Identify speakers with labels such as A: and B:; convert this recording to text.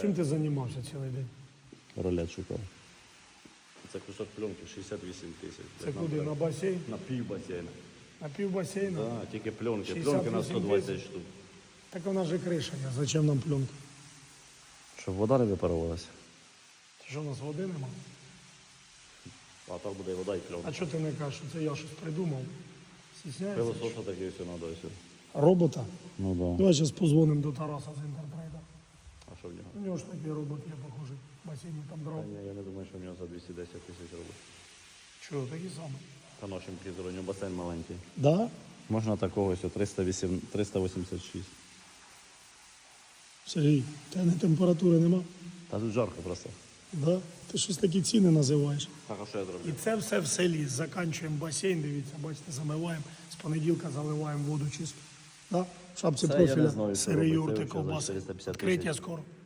A: Чим ти займався цілий день?
B: Ролет шукав.
C: Це кусок пленки 68 тисяч.
A: Це куди? На басейн?
C: На пів басейна.
A: На пів басейну?
C: Так, тільки пленки.
A: 68
C: Пленки на 120 штук.
A: Так вона же криша є. Зачем нам пленка?
B: Щоб вода не випарувалася.
A: Що у нас води нема?
C: А так буде і вода і пленка.
A: А чого ти не кажеш, що це я щось придумав? Стісняєшся?
C: Пилососа таке все треба все.
A: Робота?
B: Ну да.
A: Давай зараз позвонимо до Тараса з інтерпрейда.
C: А що в нього?
A: У нього ж такий робот є, похожий. В басейні там дров.
C: Ні, я не думаю, що в нього за 210 тисяч робить.
A: Чого, такі самі?
C: Та нашим призору, у нього басейн маленький.
A: Да?
B: Можна такого ось 386.
A: Сергій, тебе не температури нема?
B: Та тут жарко просто.
A: Да? Ти щось такі ціни називаєш.
C: Так, а що я зроблю?
A: І це все в селі. Заканчуємо басейн, дивіться, бачите, замиваємо. З понеділка заливаємо воду чисто. Да? В шапці
B: Це я не
A: профіля,
B: знаю, що
A: сири,
B: робити.
A: юрти,
B: Це вже за
A: ковбаси.
B: 450
A: Відкриття
B: тисяч.
A: скоро.